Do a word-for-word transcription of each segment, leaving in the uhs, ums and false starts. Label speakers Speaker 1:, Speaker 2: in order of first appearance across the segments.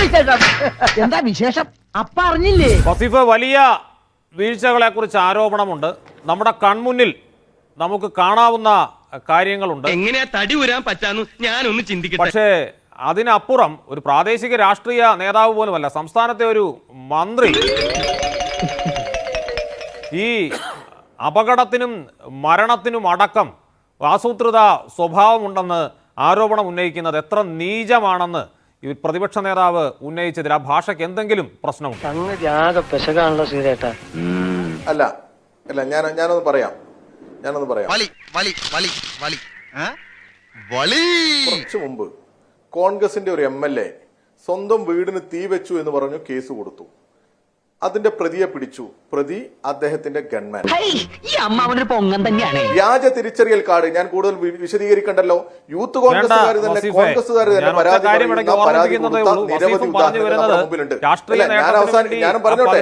Speaker 1: എന്താ വിശേഷം? അപ്പ അറിഞ്ഞില്ലേ?
Speaker 2: വസീഫ്, വലിയ വീഴ്ചകളെ കുറിച്ച് ആരോപണമുണ്ട്. നമ്മുടെ കൺമുന്നിൽ നമുക്ക് കാണാവുന്ന കാര്യങ്ങളുണ്ട്.
Speaker 3: എങ്ങനെയാ തടി ഉരാൻ പറ്റാന്ന് ഞാനൊന്ന് ചിന്തിക്കട്ടെ.
Speaker 2: പക്ഷേ അതിനപ്പുറം ഒരു പ്രാദേശിക രാഷ്ട്രീയ നേതാവ് പോലുമല്ല, സംസ്ഥാനത്തെ ഒരു മന്ത്രി ഈ അപകടത്തിനും മരണത്തിനും അടക്കം ആസൂത്രിത സ്വഭാവമുണ്ടെന്ന് ആരോപണം ഉന്നയിക്കുന്നത് എത്ര നീചമാണെന്ന് ഈ പ്രതിപക്ഷ നേതാവ് ഉന്നയിച്ചതിൽ ആ ഭാഷയ്ക്ക് എന്തെങ്കിലും പ്രശ്നമുണ്ട്?
Speaker 4: അല്ല അല്ല ഞാൻ ഞാനൊന്ന് പറയാം ഞാനൊന്ന് പറയാം കുറച്ചു മുമ്പ് കോൺഗ്രസിന്റെ ഒരു എം എൽ എ സ്വന്തം വീടിന് തീ വെച്ചു എന്ന് പറഞ്ഞു കേസ് കൊടുത്തു. അതിന്റെ പ്രതിയെ പിടിച്ചു. പ്രതി അദ്ദേഹത്തിന്റെ ഗൺമാൻ. വ്യാജ തിരിച്ചറിയൽ കാർഡ് ഞാൻ കൂടുതൽ വിശദീകരിക്കണ്ടല്ലോ. യൂത്ത് കോൺഗ്രസുകാർ തന്നെ കോൺഗ്രസുകാർ തന്നെ പരാതി പരാതി കൊടുത്ത നിരവധി ഉദാഹരണങ്ങൾ മുമ്പിലുണ്ട്. ഞാൻ അവസാനം ഞാൻ പറഞ്ഞോട്ടെ,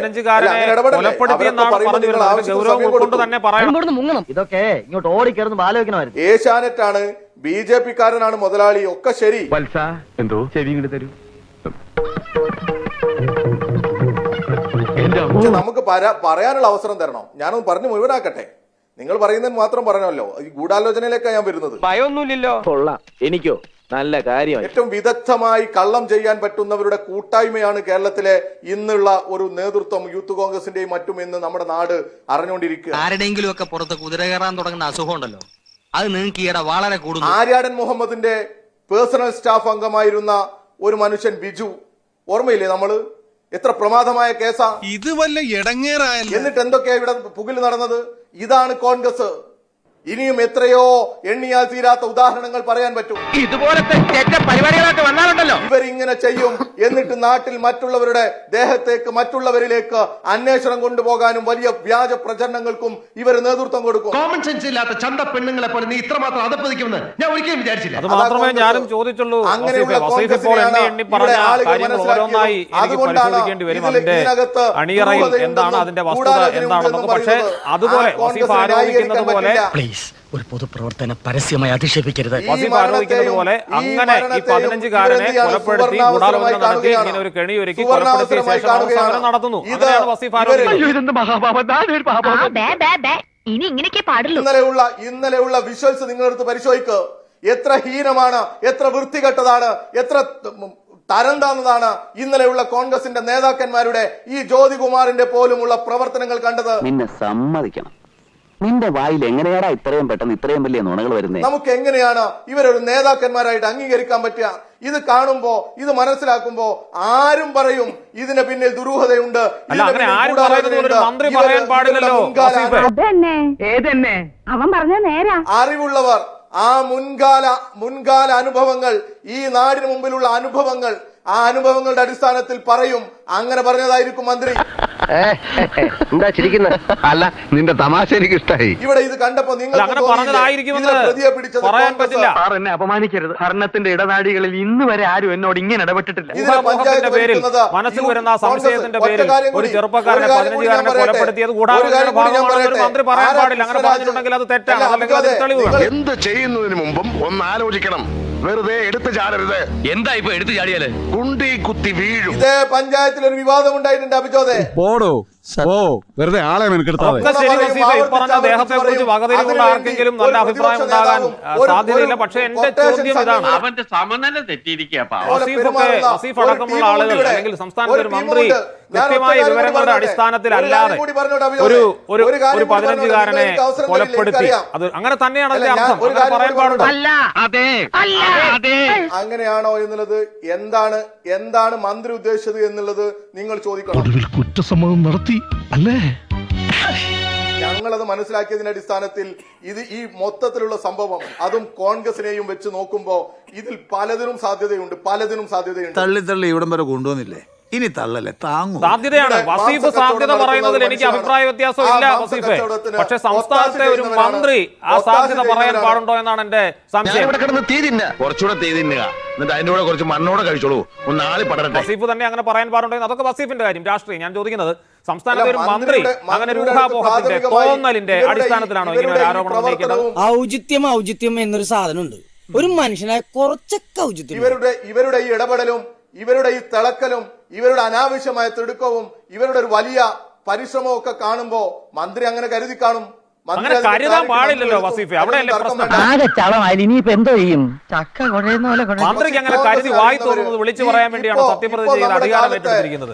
Speaker 1: ഇതൊക്കെ ഇങ്ങോട്ട് ഓടിക്കയറുന്ന ആലോചിക്കണമായിരുന്നു.
Speaker 4: ഏഷ്യാനെറ്റാണ്, ബി ജെ പി കാരനാണ് മുതലാളി, ഒക്കെ ശരി.
Speaker 5: എന്തോ ചെവി ഇങ്ങോട്ട് തരൂ.
Speaker 4: നമുക്ക് പറയാനുള്ള അവസരം തരണം. ഞാനൊന്ന് പറഞ്ഞു മുഴുവനാക്കട്ടെ. നിങ്ങൾ പറയുന്നതിന് മാത്രം പറഞ്ഞല്ലോ. ഈ ഗൂഢാലോചനയിലേക്കാണ് ഞാൻ വരുന്നത്.
Speaker 3: ഭയമൊന്നുമില്ലല്ലോ.
Speaker 5: കൊള്ളാം. എനിക്കോ നല്ല കാര്യം.
Speaker 4: ഏറ്റവും വിദഗ്ധമായി കള്ളം ചെയ്യാൻ പറ്റുന്നവരുടെ കൂട്ടായ്മയാണ് കേരളത്തിലെ ഇന്നുള്ള ഒരു നേതൃത്വം, യൂത്ത് കോൺഗ്രസിന്റെയും മറ്റും ഇന്ന് നമ്മുടെ നാട് അറിഞ്ഞുകൊണ്ടിരിക്കുക.
Speaker 3: ആരുടെയെങ്കിലും ഒക്കെ പുറത്ത് കുതിര കയറാൻ തുടങ്ങുന്ന അസുഖം ഉണ്ടല്ലോ, അത് നിങ്ങൾക്ക് ഈയിടെ വളരെ കൂടുന്നു.
Speaker 4: ആര്യാടൻ മുഹമ്മദിന്റെ പേഴ്സണൽ സ്റ്റാഫ് അംഗമായിരുന്ന ഒരു മനുഷ്യൻ ബിജു, ഓർമ്മയില്ലേ നമ്മള്? എത്ര പ്രമാദമായ കേസാ
Speaker 6: ഇത്. വല്ല ഇടങ്ങേറായല്ലോ.
Speaker 4: എന്നിട്ട് എന്തൊക്കെയാ ഇവിടെ പുകിൽ നടന്നത്? ഇതാണ് കോൺഗ്രസ്. ഇനിയും എത്രയോ എണ്ണിയാൽ തീരാത്ത ഉദാഹരണങ്ങൾ പറയാൻ പറ്റും.
Speaker 3: ഇതുപോലത്തെ പരിപാടികളൊക്കെ വന്നാലുണ്ടല്ലോ
Speaker 4: ഇവരിങ്ങനെ ചെയ്യും. എന്നിട്ട് നാട്ടിൽ മറ്റുള്ളവരുടെ ദേഹത്തേക്ക് മറ്റുള്ളവരിലേക്ക് അന്വേഷണം കൊണ്ടുപോകാനും വലിയ വ്യാജ പ്രചരണങ്ങൾക്കും ഇവർ നേതൃത്വം കൊടുക്കും.
Speaker 6: കോമൺ സെൻസ് ഇല്ലാത്ത ചന്ത പെണ്ണുങ്ങളെ പോലെ നീ ഇത്രമാത്രം അതപ്പതിക്കുമെന്ന് ഞാൻ ഒരിക്കലും വിചാരിച്ചില്ല.
Speaker 2: അത് മാത്രമേ ഞാനും ചോദിച്ചുള്ളൂ.
Speaker 4: അങ്ങനെയുള്ള
Speaker 2: അണിയറയിൽ എന്താണ് അതിന്റെ വസ്തുത എന്താണെന്നൊക്കെ. പക്ഷേ അതുപോലെ വസീഫ് ആരോപിക്കുന്നത് പോലെ
Speaker 1: ഒരു പൊതുപ്രവർത്തനം പരസ്യമായി അധിക്ഷേപിക്കരുത്.
Speaker 2: വസീഫ് ആരോപിക്കുന്നത് പോലെ അങ്ങനെ ഈ പതിനഞ്ചുകാരനെ കൊലപ്പെടുത്തി ഗൂഢാലോചന നടത്തി ഇങ്ങനെ ഒരു കെണിയൊരുക്കി കൊലപ്പെടുത്തിയ ശേഷം സമരം നടത്തുന്നു. അങ്ങനെയാണ് വസീഫ് ആരോപിക്കുന്നത്.
Speaker 4: ഇന്നലെയുള്ള ഇന്നലെയുള്ള വിഷ്വൽസ് നിങ്ങളെടുത്ത് പരിശോധിക്കുക. എത്ര ഹീനമാണ്, എത്ര വൃത്തികെട്ടതാണ്, എത്ര തരം താന്നതാണ് ഇന്നലെയുള്ള കോൺഗ്രസിന്റെ നേതാക്കന്മാരുടെ, ഈ ജ്യോതികുമാറിന്റെ പോലുമുള്ള പ്രവർത്തനങ്ങൾ കണ്ടത്.
Speaker 5: നിന്നെ സമ്മതിക്കണം. നിന്റെ വായിൽ എങ്ങനെയാടാ ഇത്രയും പെട്ടെന്ന് ഇത്രയും വലിയ നുണകൾ വരുന്നത്?
Speaker 4: നമുക്ക് എങ്ങനെയാണ് ഇവരൊരു നേതാക്കന്മാരായിട്ട് അംഗീകരിക്കാൻ പറ്റുക? ഇത് കാണുമ്പോ, ഇത് മനസ്സിലാക്കുമ്പോ ആരും പറയും ഇതിന് പിന്നിൽ ദുരൂഹതയുണ്ട്. അറിവുള്ളവർ ആ മുൻകാല മുൻകാല അനുഭവങ്ങൾ, ഈ നാടിന് മുമ്പിലുള്ള അനുഭവങ്ങൾ, ആ അനുഭവങ്ങളുടെ അടിസ്ഥാനത്തിൽ പറയും. അങ്ങനെ പറഞ്ഞതായിരിക്കും മന്ത്രി.
Speaker 5: എന്താ ചിരിക്കുന്നത്? അല്ല, നിന്റെ തമാശ എനിക്ക് ഇഷ്ടായി.
Speaker 4: ഇവിടെ ഇത് കണ്ടപ്പോ നിങ്ങൾ പ്രതിയെ പിടിച്ചത്
Speaker 5: എന്നെ അപമാനിക്കരുത്. ഭരണത്തിന്റെ ഇടനാടികളിൽ ഇന്ന് വരെ ആരും എന്നോട് ഇങ്ങനെ ഇടപെട്ടിട്ടില്ല.
Speaker 4: പഞ്ചായത്ത്
Speaker 2: പേരിൽ മനസ്സിൽ വരുന്ന സംശയത്തിന്റെ പേരിൽ ഒരു ചെറുപ്പക്കാരനെ പതിനഞ്ചുകാരനെ കൊലപ്പെടുത്തിയത് ഗൂഢാലോചനയുടെ ഭാഗമാണെന്ന് ഒരു മന്ത്രി പറയാൻ പാടില്ല. അങ്ങനെ പറഞ്ഞിട്ടുണ്ടെങ്കിൽ അത് തെറ്റാണ്. അല്ലെങ്കിൽ അത് തെളിവ് വേണം.
Speaker 7: എന്ത് ചെയ്യുന്നതിന് മുമ്പും ഒന്ന് ആലോചിക്കണം. വെറുതെ എടുത്തു ചാടരുത്.
Speaker 3: എന്താ ഇപ്പൊ എടുത്തു ചാടിയാല് കുണ്ടി
Speaker 7: കുത്തി വീഴും.
Speaker 4: ഇതേ പഞ്ചായത്തിൽ ഒരു വിവാദം ഉണ്ടായിട്ടുണ്ട് അഭിജോദേ.
Speaker 6: പോടോ ഓ വെറുതെ ആളെ മെനക്കെടുത്താതെ.
Speaker 2: ദേഹത്തെ കുറിച്ച് വകതിരിവുള്ള ആർക്കെങ്കിലും നല്ല അഭിപ്രായം ഉണ്ടാകാൻ സാധ്യതയില്ല. പക്ഷേ എന്റെ ചോദ്യം ഇതാണ്,
Speaker 3: അവന്റെ സമനില തെറ്റിയിരിക്കുക.
Speaker 2: വസീഫ് അടക്കമുള്ള ആളുകൾ അല്ലെങ്കിൽ സംസ്ഥാനത്തെ ഒരു മന്ത്രി കൃത്യമായ വിവരങ്ങളുടെ അടിസ്ഥാനത്തിലല്ലാതെ ഒരു ഒരു ഒരു പതിനഞ്ചുകാരനെ കൊലപ്പെടുത്തി, അത് അങ്ങനെ തന്നെയാണ് അതിന്റെ അർത്ഥം. അങ്ങനെ പറയാൻ പാടുണ്ടോ?
Speaker 4: അങ്ങനെയാണോ എന്നുള്ളത്, എന്താണ് എന്താണ് മന്ത്രി ഉദ്ദേശിച്ചത് എന്നുള്ളത് നിങ്ങൾ ചോദിക്കണം.
Speaker 6: കുറ്റസമ്മതം നടത്തി അല്ലേ?
Speaker 4: ഞങ്ങളത് മനസ്സിലാക്കിയതിന്റെ അടിസ്ഥാനത്തിൽ ഇത് ഈ മൊത്തത്തിലുള്ള സംഭവം, അതും കോൺഗ്രസിനെയും വെച്ച് നോക്കുമ്പോ ഇതിൽ പലതിനും സാധ്യതയുണ്ട് പലതിനും സാധ്യതയുണ്ട്.
Speaker 6: തള്ളി തള്ളി ഇവിടം വരെ കൊണ്ടുവന്നില്ലേ? ഇനി തള്ളല്ലേ, താങ്ങും.
Speaker 2: സാധ്യതയാണ്. വസീഫ് സാധ്യത പറയുന്നതിൽ എനിക്ക് അഭിപ്രായ വ്യത്യാസം ഇല്ല വസീഫെ. പക്ഷെ സംസ്ഥാനത്തെ ഒരു മന്ത്രി ആ സാധ്യത പറയാൻ പാടുണ്ടോ എന്നാണ് എന്റെ സംശയം.
Speaker 7: കുറച്ചുകൂടെ തീ തിന്നുക, എന്നിട്ട് അതിന്റെ കൂടെ കുറച്ച് മണ്ണോടെ കഴിച്ചോളൂ. ഒന്ന് ആളി പടരട്ടെ.
Speaker 2: വസീഫ് തന്നെ അങ്ങനെ പറയാൻ പാടുണ്ടോ? അതൊക്കെ വസീഫിന്റെ കാര്യം, രാഷ്ട്രീയം. ഞാൻ ചോദിക്കുന്നത്, സംസ്ഥാനത്തെ ഒരു മന്ത്രി അങ്ങനെ രൂഢാപോഹത്തിന്റെ തോന്നലിന്റെ അടിസ്ഥാനത്തിലാണോ ഇങ്ങനെ ഒരു ആരോപണം ഉന്നയിക്കുന്നത്?
Speaker 1: ഔചിത്യം ഔചിത്യം എന്നൊരു സാധനമുണ്ട്. ഒരു മനുഷ്യനായ കുറച്ചൊക്കെ ഔചിത്യം.
Speaker 4: ഇവരുടെ ഇവരുടെ ഈ ഇടപെടലും ഇവരുടെ ഈ തിളക്കലും ഇവരുടെ അനാവശ്യമായ തിടുക്കവും ഇവരുടെ ഒരു വലിയ പരിശ്രമവും ഒക്കെ കാണുമ്പോ മന്ത്രി അങ്ങനെ കരുതി കാണും.
Speaker 2: അങ്ങനെ കരുതാൻ പാടില്ലല്ലോ വസീഫെ, അവിടെയല്ലേ പ്രശ്നം.
Speaker 1: ആകെ ചളമായി ഇനിയിപ്പോ എന്തോ ചെയ്യും? ചക്ക കുഴയുന്ന പോലെ കുഴയും.
Speaker 2: മന്ത്രിക്ക് അങ്ങനെ കരുതി വായി തോന്നുന്നത് വിളിച്ചു പറയാൻ വേണ്ടിയാണ് സത്യപ്രതിജ്ഞ ചെയ്ത് അധികാരം ഏറ്റെടുത്തിരിക്കുന്നത്.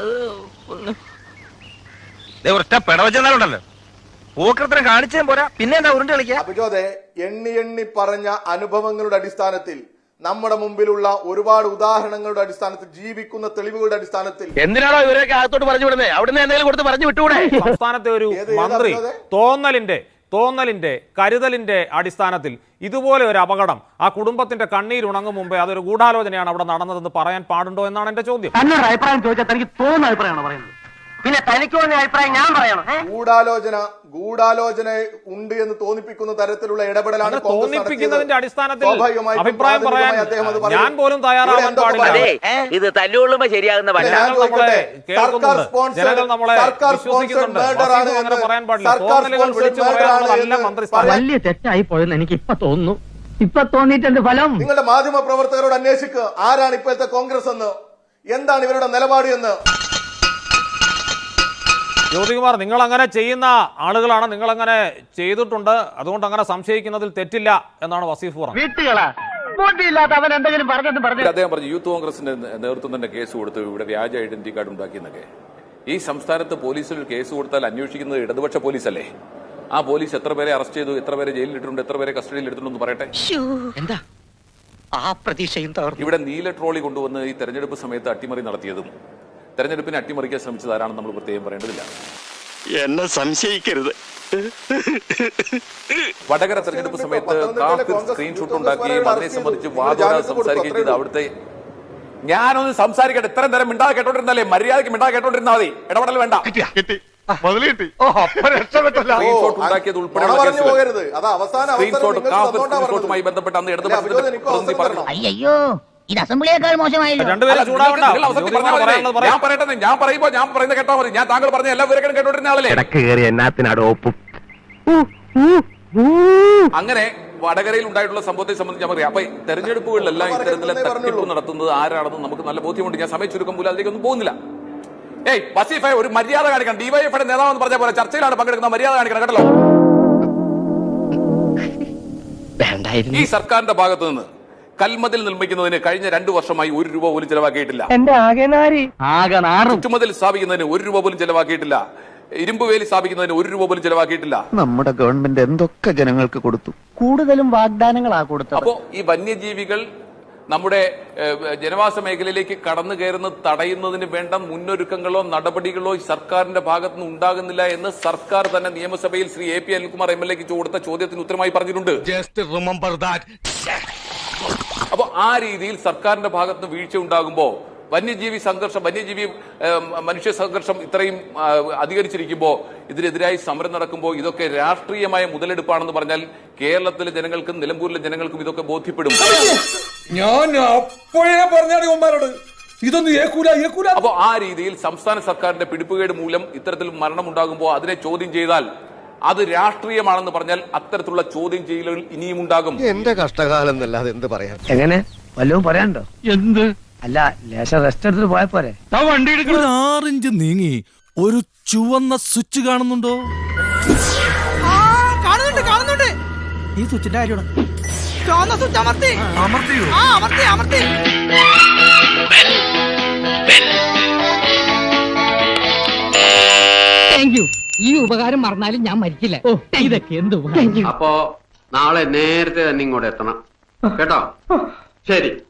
Speaker 7: ഒറ്റ പിടവച്ചെന്നാലുണ്ടല്ലോ പൂക്കൃത്രം കാണിച്ചേ പോരാ, പിന്നെ എന്താ ഉരുണ്ട് കളിക്കുക.
Speaker 4: അഭിജോദെ, എണ്ണി എണ്ണി പറഞ്ഞ അനുഭവങ്ങളുടെ അടിസ്ഥാനത്തിൽ, നമ്മുടെ മുമ്പിലുള്ള ഒരുപാട് ഉദാഹരണങ്ങളുടെ അടിസ്ഥാനത്തിൽ, ജീവിക്കുന്ന തെളിവുകളുടെ അടിസ്ഥാനത്തിൽ
Speaker 7: എന്തിനാണോ ഇവരൊക്കെ അകത്തോട്ട് പറഞ്ഞു വിടുന്നത്? അവിടുന്ന് എന്തെങ്കിലും കൊടുത്ത് പറഞ്ഞു വിട്ടുകൂടെ?
Speaker 2: സംസ്ഥാനത്തെ ഒരു മന്ത്രി തോന്നലിന്റെ തോന്നലിന്റെ കരുതലിന്റെ അടിസ്ഥാനത്തിൽ ഇതുപോലെ ഒരു അപകടം ആ കുടുംബത്തിന്റെ കണ്ണീരുണങ്ങും മുമ്പേ അതൊരു ഗൂഢാലോചനയാണ് അവിടെ നടന്നതെന്ന് പറയാൻ പാടുണ്ടോ എന്നാണ് എന്റെ ചോദ്യം.
Speaker 1: തന്നൊരു അഭിപ്രായം ചോദിച്ചാൽ തനിക്ക് തോന്നുന്ന അഭിപ്രായമാണ് പറയുന്നത്. പിന്നെ തനിക്ക് തോന്നിയ അഭിപ്രായം ഞാൻ പറയണം?
Speaker 4: ഗൂഢാലോചന ഗൂഢാലോചന ഉണ്ട് എന്ന് തോന്നിപ്പിക്കുന്ന തരത്തിലുള്ള ഇടപെടലാണ്
Speaker 2: തോന്നിപ്പിക്കുന്നതിന്റെ അടിസ്ഥാനത്തിൽ അഭിപ്രായം പറയാൻ ഞാൻ പോലും തയ്യാറാവാൻ പാടില്ല.
Speaker 5: ഇത് തല്ലുകൊള്ളുമ്പോ ശരിയാകുന്ന
Speaker 2: ജനങ്ങൾ നമ്മളെ വിശ്വസിക്കുന്നുണ്ട്. അങ്ങനെ പറയാൻ പാടില്ല. തോന്നലുകൾ വിളിച്ചു പറയാനുള്ളതല്ല മന്ത്രിസ്ഥാനം.
Speaker 1: വലിയ തെറ്റായി പോയെന്ന് എനിക്ക് ഇപ്പൊ തോന്നുന്നു. ഇപ്പൊ തോന്നിയിട്ടുണ്ട് ഫലം.
Speaker 4: നിങ്ങളുടെ മാധ്യമ പ്രവർത്തകരോട് അന്വേഷിക്കുക, ആരാണ് ഇപ്പോഴത്തെ കോൺഗ്രസ് എന്ന്, എന്താണ് ഇവരുടെ നിലപാട് എന്ന്.
Speaker 2: ജ്യോതികുമാർ, നിങ്ങൾ അങ്ങനെ ചെയ്യുന്ന ആളുകളാണ്, നിങ്ങൾ അങ്ങനെ ചെയ്തിട്ടുണ്ട്, അതുകൊണ്ട് അങ്ങനെ സംശയിക്കുന്നതിൽ തെറ്റില്ല എന്നാണ് വസീഫ് പറഞ്ഞത്.
Speaker 1: അവൻ എന്തെങ്കിലും പറഞ്ഞെന്ന് പറഞ്ഞു.
Speaker 8: അദ്ദേഹം പറഞ്ഞു യൂത്ത് കോൺഗ്രസിന്റെ നേതൃത്വം തന്നെ കേസ് കൊടുത്തു, ഇവിടെ വ്യാജ ഐഡന്റിറ്റി കാർഡ് ഉണ്ടാക്കിയെന്നൊക്കെ. ഈ സംസ്ഥാനത്ത് പോലീസിൽ കേസ് കൊടുത്താൽ അന്വേഷിക്കുന്നത് ഇടതുപക്ഷ പോലീസല്ലേ? ആ പോലീസ് എത്ര പേരെ അറസ്റ്റ് ചെയ്തു, എത്ര പേരെ ജയിലിൽ ഇട്ടിട്ടുണ്ട്, എത്ര പേരെ കസ്റ്റഡിയിൽ എടുത്തിട്ടുണ്ടെന്ന് പറയട്ടെ.
Speaker 1: എന്താ ആ പ്രതീക്ഷയും
Speaker 8: ഇവിടെ നീല ട്രോളി കൊണ്ടുവന്ന് ഈ തെരഞ്ഞെടുപ്പ് സമയത്ത് അട്ടിമറി നടത്തിയതും തെരഞ്ഞെടുപ്പിനെ അട്ടിമറിക്കാൻ ശ്രമിച്ചത് ആരാണെന്ന് നമ്മൾ പ്രത്യേകം പറയേണ്ടതില്ല.
Speaker 7: എന്നെ സംശയിക്കരുത്.
Speaker 8: വടകര തെരഞ്ഞെടുപ്പ് സമയത്ത് കാഫിർ സ്ക്രീൻഷോട്ട് ഉണ്ടാക്കുകയും അതിനെ സംബന്ധിച്ച് വാദോരാ സംസാരിക്കുകയും ചെയ്ത് അവിടുത്തെ ഞാനൊന്ന് സംസാരിക്കട്ടെ. ഇത്രയും നേരം മിണ്ടാതെ കേട്ടോണ്ടിരുന്നാലേ, മര്യാദയ്ക്ക് മിണ്ടാതെ കേട്ടോണ്ടിരുന്നാൽ മതി, ഇടപെടൽ വേണ്ട. സ്ക്രീൻഷോട്ട് ഉണ്ടാക്കിയത് ഉൾപ്പെടെയുള്ള സ്ക്രീൻഷോട്ടുമായി ബന്ധപ്പെട്ട് അന്ന് ഇടതുപക്ഷത്തിന്റെ പ്രതിനിധി പറഞ്ഞു.
Speaker 9: അയ്യോ, ഇത് അസംബ്ലിയേക്കാൾ മോശമായില്ല.
Speaker 2: രണ്ടുപേരും ചൂടാവണ്ട.
Speaker 8: ഞാൻ പറയട്ടെ, ഞാൻ പറയുമ്പോ ഞാൻ പറയുന്നത് കേട്ടാ മതി. ഞാൻ താങ്കൾ പറഞ്ഞ എല്ലാ വിവരങ്ങളും കേട്ടോണ്ടിരുന്ന ആളല്ലേ. അങ്ങനെ വടകരയിൽ ഉണ്ടായിട്ടുള്ള സംഭവത്തെ സംബന്ധിച്ച് ഞാൻ പറയാം. അപ്പൊ തെരഞ്ഞെടുപ്പുകളിലെല്ലാം ഇത്തരത്തിലെ തട്ടിപ്പ് നടത്തുന്നത് ആരാണെന്ന് നമുക്ക് നല്ല ബോധ്യമുണ്ട്. ഞാൻ സമയം ചുരുക്കം പോലും അതിലേക്കൊന്നും പോകുന്നില്ല. ഏയ് വസീഫെ, ഒരു മര്യാദ കാണിക്കണം. ഡിവൈഎഫ്ഐയുടെ നേതാവെന്ന് പറഞ്ഞ പോലെ ചർച്ചയിലാണ് പങ്കെടുക്കുന്ന, മര്യാദ കാണിക്കണം കേട്ടല്ലോ. ഈ സർക്കാരിന്റെ ഭാഗത്ത് നിന്ന് കൽമതിൽ നിർമ്മിക്കുന്നതിന് കഴിഞ്ഞ രണ്ടു വർഷമായി ഒരു രൂപ പോലും ചെലവാക്കിയിട്ടില്ല. ചുറ്റുമതിൽ സ്ഥാപിക്കുന്നതിന് ഒരു രൂപ പോലും ചെലവാക്കിയിട്ടില്ല. ഇരുമ്പ് വേലി സ്ഥാപിക്കുന്നതിന് ഒരു രൂപ പോലും ചെലവാക്കിയിട്ടില്ല.
Speaker 5: നമ്മുടെ ഗവൺമെന്റ് എന്തൊക്കെ ജനങ്ങൾക്ക് കൊടുത്തു,
Speaker 1: കൂടുതലും വാഗ്ദാനങ്ങളാ കൊടുത്തത്.
Speaker 8: അപ്പോ ഈ വന്യജീവികൾ നമ്മുടെ ജനവാസ മേഖലയിലേക്ക് കടന്നു കയറുന്നത് തടയുന്നതിന് വേണ്ട മുന്നൊരുക്കങ്ങളോ നടപടികളോ സർക്കാരിന്റെ ഭാഗത്തു നിന്ന് ഉണ്ടാകുന്നില്ല എന്ന് സർക്കാർ തന്നെ നിയമസഭയിൽ Shri A P Anilkumar M L എക്ക് കൊടുത്ത ചോദ്യത്തിന് ഉത്തരമായി പറഞ്ഞിട്ടുണ്ട്. അപ്പൊ ആ രീതിയിൽ സർക്കാരിന്റെ ഭാഗത്ത് വീഴ്ച ഉണ്ടാകുമ്പോ വന്യജീവി സംഘർഷം വന്യജീവി മനുഷ്യ സംഘർഷം ഇത്രയും അധികരിച്ചിരിക്കുമ്പോൾ ഇതിനെതിരായി സമരം നടക്കുമ്പോൾ ഇതൊക്കെ രാഷ്ട്രീയമായ മുതലെടുപ്പാണെന്ന് പറഞ്ഞാൽ കേരളത്തിലെ ജനങ്ങൾക്കും നിലമ്പൂരിലെ ജനങ്ങൾക്കും ഇതൊക്കെ ബോധ്യപ്പെടും.
Speaker 10: ഞാൻ അപ്പോഴേ പറഞ്ഞോട് ഇതൊന്നും ഏക്കൂല ഏക്കൂല.
Speaker 8: അപ്പൊ ആ രീതിയിൽ സംസ്ഥാന സർക്കാരിന്റെ പിടിപ്പുകേട് മൂലം ഇത്തരത്തിൽ മരണം ഉണ്ടാകുമ്പോൾ അതിനെ ചോദ്യം ചെയ്താൽ അത് രാഷ്ട്രീയമാണെന്ന് പറഞ്ഞാൽ അത്തരത്തിലുള്ള ചോദ്യം ചെയ്യലുകൾ ഇനിയും ഉണ്ടാകും.
Speaker 6: എന്റെ കഷ്ടകാലം എന്നല്ലാതെ എന്ത് പറയാൻ.
Speaker 1: എങ്ങനെ വല്ലതും പറയാനുണ്ടോ? എന്ത് അല്ല, ലേശം റെസ്റ്റ് എടുത്തിട്ട് പോയ പോരെ.
Speaker 10: ഒരു ആറിഞ്ച് നീങ്ങി ഒരു ചുവന്ന സ്വിച്ച് കാണുന്നുണ്ടോ?
Speaker 9: കാണുന്നുണ്ട് കാണുന്നുണ്ട്.
Speaker 10: ഈ സ്വിച്ചിന്റെ കാര്യമാണ്.
Speaker 9: ചുവന്ന സ്വിച്ച് അമർത്തി
Speaker 10: അമർത്തിയോ?
Speaker 9: ആ അമർത്തി അമർത്തി. Thank you. ഈ ഉപകാരം മറന്നാലും ഞാൻ മരിക്കില്ല. ഓ, ഇതൊക്കെ എന്ത്.
Speaker 11: അപ്പോ നാളെ നേരത്തെ തന്നെ ഇങ്ങോട്ട് എത്തണം കേട്ടോ. ശരി.